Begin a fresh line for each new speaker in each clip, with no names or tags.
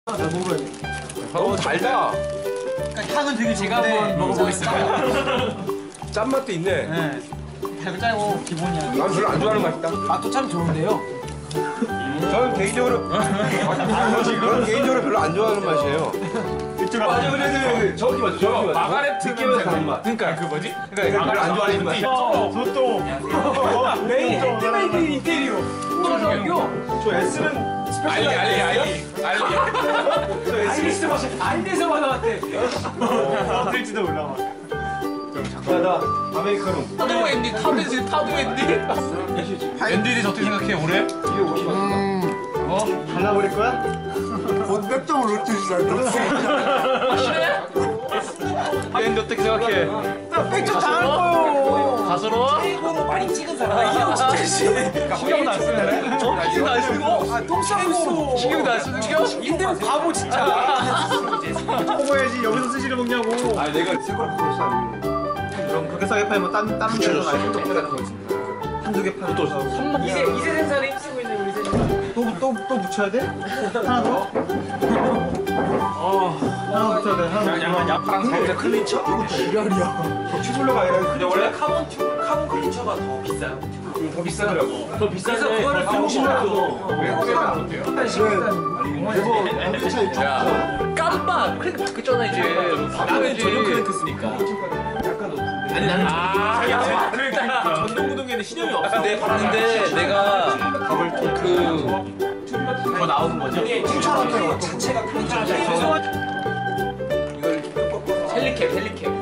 너무 달다.
그러니까 향은 되게
제가 한번 먹어보겠습니다.
짠맛도 있네.
네. 달고 짜고 기본이야.
난 별로 안 좋아하는 맛이다.
맛도 참 좋은데요.
저는 개인적으로 별로 안 좋아하는 맛이에요. 맞아, 그래. 정확히 맞죠. 정확히 맞죠.
마가렛
느낌에서 다른 맛.
그러니까 그 뭐지?
그러니까 별로 안 좋아하는 맛.
소또. 메인 핸드메이드 인테리어.
저 S는
알리.
저 S는 진짜 맛이
안돼서 받아왔대.
될지도 몰라.
작가다. 아메리카노.
파도 앤디 파도 앤디? 앤디는 어떻게 생각해 올해?
이게 50원인가?
발라버릴 거야?
본백점을 놓치지 않다.
확실해? 앤디 어떻게 생각해?
백점 당할 거요.
가스러워?
이거 많이 찍은 사람. 진짜 씨.
신경도 안 쓰네. 신경도 안 쓰고?
똥 싸고.
신경도 안 쓰는 겨?
인대는 바보 진짜.
먹어야지. 여기서 스시를 먹냐고.
아, 내가 새거랑 그걸 싸는
그럼 그렇게 싸게 팔면 다른 데서 가야 돼. 한두 개 팔고 또
이세 생산에 힘쓰고 있는 우리 세상.
또 붙여야 돼? 하나 더? 하나 붙여야 돼. 하나 더.
야파랑 살짝 클린처?
튜블러가 아니라 그냥 원래
카본 클린처가 더 비싸요.
더 비싸더라고.
더 비싸서 그거를 병신으로
외국에는 어때요? 야 깜빡 크랭크 바뀌었잖아 이제.
나는 전용 크랭크 쓰니까. 아니 나는
그러니까
전동구동에는 신용이 없어.
내가 봤는데 내가
더 나오는 거죠? 추천할게요. 자체가 클린처. 헬리캡.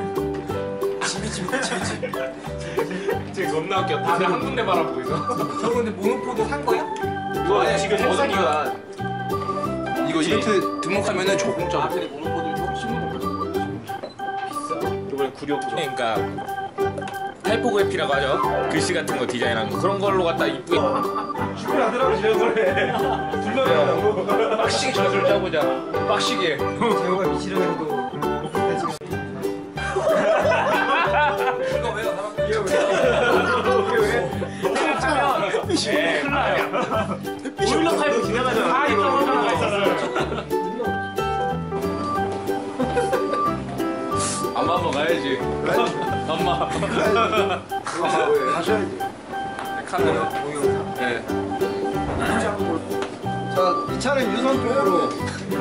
지금 겁나 웃겨. 다들 한 군데 바라보고 있어.
저 근데 모노포도 산 거야?
이거 지금 버전이가 이거 이벤트 등록하면은 조공짜로.
근데 모노포도 조금씩
이번에 구력 그러니까 타이포그래피라고 하죠. 글씨 같은 거 디자인하는 거 그런 걸로 갖다 이쁘게
출근하더라고, 제 노래. 둘러대라고.
빡시게 저술 짜보자. 빡시게.
제호가 미치려고
이거 왜요?
큰일 나요.
보일러 파이프 지나가잖아.
아 이거 올라가 있었어요. 엄마 먹어야지. 엄마.
하셔야지.
카드는 동영상. 네.
자, 이 차는 유선 쪽으로